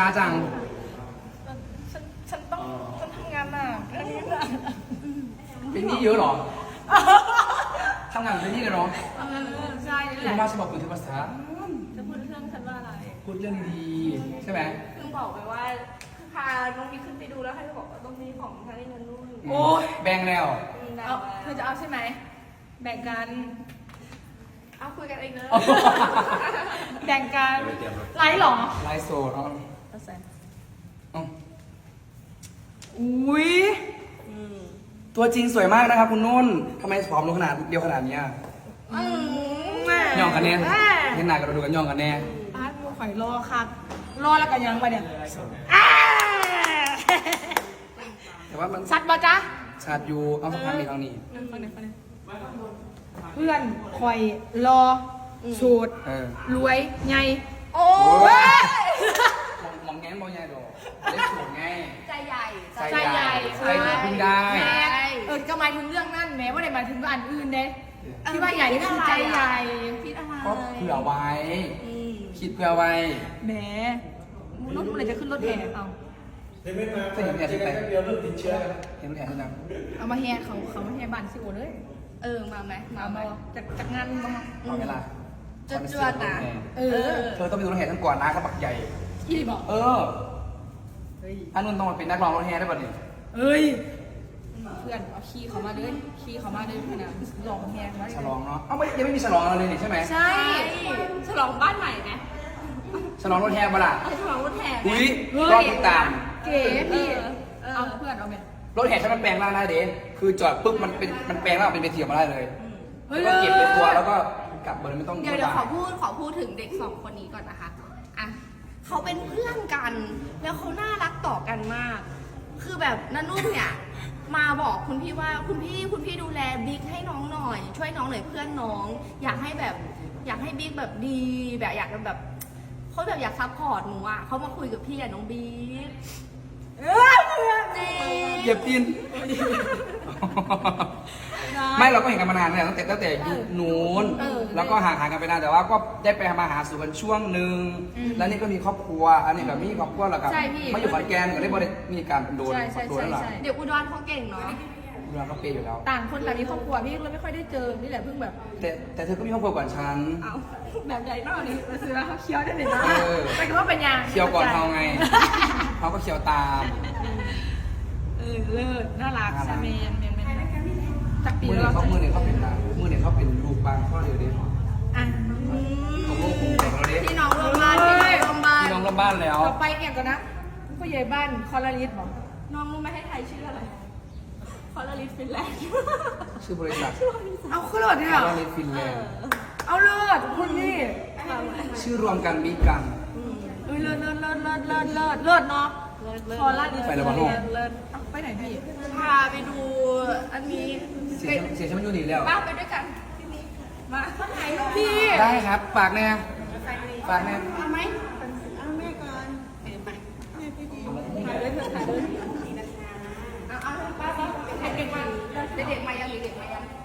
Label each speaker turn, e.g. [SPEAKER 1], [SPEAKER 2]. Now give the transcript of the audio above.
[SPEAKER 1] ช้าจัง
[SPEAKER 2] ฉันต้องทำงานหนักเรื่องนี้หนัก
[SPEAKER 1] เป็นหนี้เยอะเหรอทำงานเป็นหนี้เลยเหรอ
[SPEAKER 2] ใช่นี่แห
[SPEAKER 1] คุณ
[SPEAKER 2] ละ
[SPEAKER 1] มาฉบับคุณถือภาษา
[SPEAKER 2] จะพูดเรื่องฉันว่าอะไร
[SPEAKER 1] พูดเรื่องดีใช่ไหม
[SPEAKER 3] เพิ่งบอกไปว่าพาน้องมีขึ้นไปดูแล้วให้บอกว่าต้องมีของทางนี้เงินนู่น
[SPEAKER 2] โอ้ย
[SPEAKER 1] แบ่งแล้ว
[SPEAKER 3] ได้
[SPEAKER 2] เอา
[SPEAKER 3] มา
[SPEAKER 2] เธอจะเอาใช่ไหมแบ่งกัน
[SPEAKER 3] เอาคุยกันเองเนอะ
[SPEAKER 2] แบ่งกันไลฟ์หรอ
[SPEAKER 1] ไลฟ์โซดเอา
[SPEAKER 2] เอาใส่
[SPEAKER 1] เอา
[SPEAKER 2] อุ้ย
[SPEAKER 1] ตัวจริงสวยมากนะครับคุณนุ่นทำไมผอมลงขนาดเดียวขนาดเนี้ยย่องกันแน่เห็นหน้ากันดูกันย่องกันแน่
[SPEAKER 2] อาร์ตมูข่อยรอครับรอแล้วกันยังไปเนี่ย
[SPEAKER 1] แต่ว่ามัน
[SPEAKER 2] สัตว์บ่จ๊ะ
[SPEAKER 1] ชาดอยู่เอาสักพักนี้ทางนี้
[SPEAKER 2] ฟังหน่อยเพื่อนข่อยรอสูตร
[SPEAKER 1] เออ
[SPEAKER 2] รวยไง
[SPEAKER 3] โอ้
[SPEAKER 1] โอ้
[SPEAKER 3] ย
[SPEAKER 1] ยมองแง้มมองใหญ่ดอกได้สวยไง
[SPEAKER 3] ใจใหญ่
[SPEAKER 1] ใจใหญ่ใจใหญ่พึ่งได้
[SPEAKER 2] แม่ก็หมายถึงเรื่องนั่นแม้ว่าได้หมายถึงอันอื่นเด้ที่ว่าใหญ่นี่คือใจใหญ่
[SPEAKER 3] คิดอะไร
[SPEAKER 1] ก็เผื่อไว้
[SPEAKER 3] อืม
[SPEAKER 1] คิดเผื่อไว้
[SPEAKER 2] แหมมูนุ่นอะไรจะขึ้นรถแห่เอา
[SPEAKER 1] เคยเห็นแผลที่ไหนเดียวเริ่มติดเชื้อเห็นแผลที่ไหน
[SPEAKER 2] เอามาแห่เขามาแห่บ้านสิโอเลย
[SPEAKER 3] มาไหมมา
[SPEAKER 2] เอา
[SPEAKER 3] ไหม
[SPEAKER 2] มาจากงานมา
[SPEAKER 1] เอาเวลา
[SPEAKER 3] จวดๆนะ
[SPEAKER 2] เออ
[SPEAKER 1] เธอต้องเป็นรถแห่ทั้งก่อนนะกระบักใหญ่
[SPEAKER 2] อีบอก
[SPEAKER 1] เอออันนู้นต้องมาเป็นนักร้องรถแห่ได้ป่ะเนี่ย
[SPEAKER 2] เอ้ยเพื่อนเอาขี้เขามาเลยขี้เขามาเลยเพื่อนนะลองแห่มา
[SPEAKER 1] ฉลองเนาะเอ้าไม่ยังไม่มีฉลองอะไรเลยนี่ใช่ไหม
[SPEAKER 2] ใช่
[SPEAKER 3] ฉลองบ้านใหม่ไหม
[SPEAKER 1] ฉลองรถแห่ปะล่ะ
[SPEAKER 3] ฉลองรถแห่ไหม
[SPEAKER 1] อุ้ยรอบติดตาม
[SPEAKER 2] เก๋พี่
[SPEAKER 3] เออ
[SPEAKER 2] เอาเพื่อนเอาไหม
[SPEAKER 1] รถแห่ฉันมันแปลงร่างได้เด้คือจอดปุ๊บมันแปลงร่างเป็นเวทีออกมาได้เลย
[SPEAKER 2] เฮ้ย
[SPEAKER 1] แล้วก็เก็บในตัวแล้วก็กลับเลยไม่ต้อง
[SPEAKER 3] เดี๋ยวขอพูดถึงเด็กสองคนนี้ก่อนนะคะอ่ะเขาเป็นเพื่อนกัน แล้วเขาน่ารักต่อกันมาก คือแบบนันนุ่นเนี่ย มาบอกคุณพี่ว่าคุณพี่ดูแลบิ๊กให้น้องหน่อย ช่วยน้องหน่อยเพื่อนน้อง อยากให้บิ๊กแบบดีแบบอยากแบบเขาแบบอยากซัพพอร์ตหนูอ่ะเขามาคุยกับพี่อะน้องบิ๊กนี่
[SPEAKER 1] เหยียบตีน ไม่เราก็เห็นกันมานานแล้วตั้งแต่ยุคนู้นแล้วก็ห่างกันไปนานแต่ว่าก็ได้ไปมาหาสู่กันช่วงหนึ่งแล้วนี่ก็มีครอบครัวอันนี้แบบมีครอบครัวแล้วกับมาอยู่ขอนแก่นก็ได้บริมีการโดนโดนแล้วหรอ
[SPEAKER 3] เดี๋ยวอุดรเขาเก่งเนาะ
[SPEAKER 1] เราก็เปย์อยู่แล้ว
[SPEAKER 2] ต่างคนต่างมีครอบครัวพี่เลยไม่ค่อยได้เจอนี่แหละเพิ่งแบบ
[SPEAKER 1] แต่เธอก็มีครอบครัวก่อนฉัน
[SPEAKER 3] เอาแบบใหญ่
[SPEAKER 2] นอกนี้มาซื้อแล้วเขาเคี้ยวได้เลยนะ
[SPEAKER 1] เออ
[SPEAKER 2] ไปดูว่าเป็นยัง
[SPEAKER 1] เคี่ยวก่อนเขาไงเขาก็เคี่ยวตาม
[SPEAKER 2] เลิศน่ารักใช่ไหมเมนจากปี
[SPEAKER 1] มือ
[SPEAKER 2] แล้ว
[SPEAKER 1] มือเนี่ยเขาเป็นลูกบางข้อเดียวเดียว
[SPEAKER 2] อ่ะ
[SPEAKER 1] ของโลกคงแต่งเราเด็
[SPEAKER 3] พี่น้องร่วมบ้านพี่น้องร่วมบ้าน
[SPEAKER 1] พี่น้องรอบบ้านแล้ว
[SPEAKER 2] ต่อไปเนี่ยก่อนนะผู้ใหญ่บ้านคอลลาริสบอก
[SPEAKER 3] น้องรู้ไหมให้ไทยชื่ออะไรคอลลาริสฟินแลนด์
[SPEAKER 1] ชื่อบริษัท
[SPEAKER 2] เอาขึ้นรถเนี่ย
[SPEAKER 1] คาร์ลฟินแลนด์
[SPEAKER 2] เอาเลิศคุณนี่
[SPEAKER 1] ชื่อรวมกันบิ๊กกัน
[SPEAKER 2] เลิศเลิศเนาะคอลลาริส
[SPEAKER 1] ไปแล้ววะลูก
[SPEAKER 2] เลิศไปไหนพี่
[SPEAKER 3] พาไปดูอันนี้
[SPEAKER 1] เสียฉันมันอยู่นี่แล้ว
[SPEAKER 3] ป้าไปด้วยกันพี่นี้มาถ่ายรูป
[SPEAKER 2] พี่
[SPEAKER 1] ได้ครับฝากแน่ฝากแน่
[SPEAKER 3] เอาไหม
[SPEAKER 2] ถ่ายเลยเถอะถ่ายเลย
[SPEAKER 3] เอาป้าเด็กๆมายังเด็กๆมายัง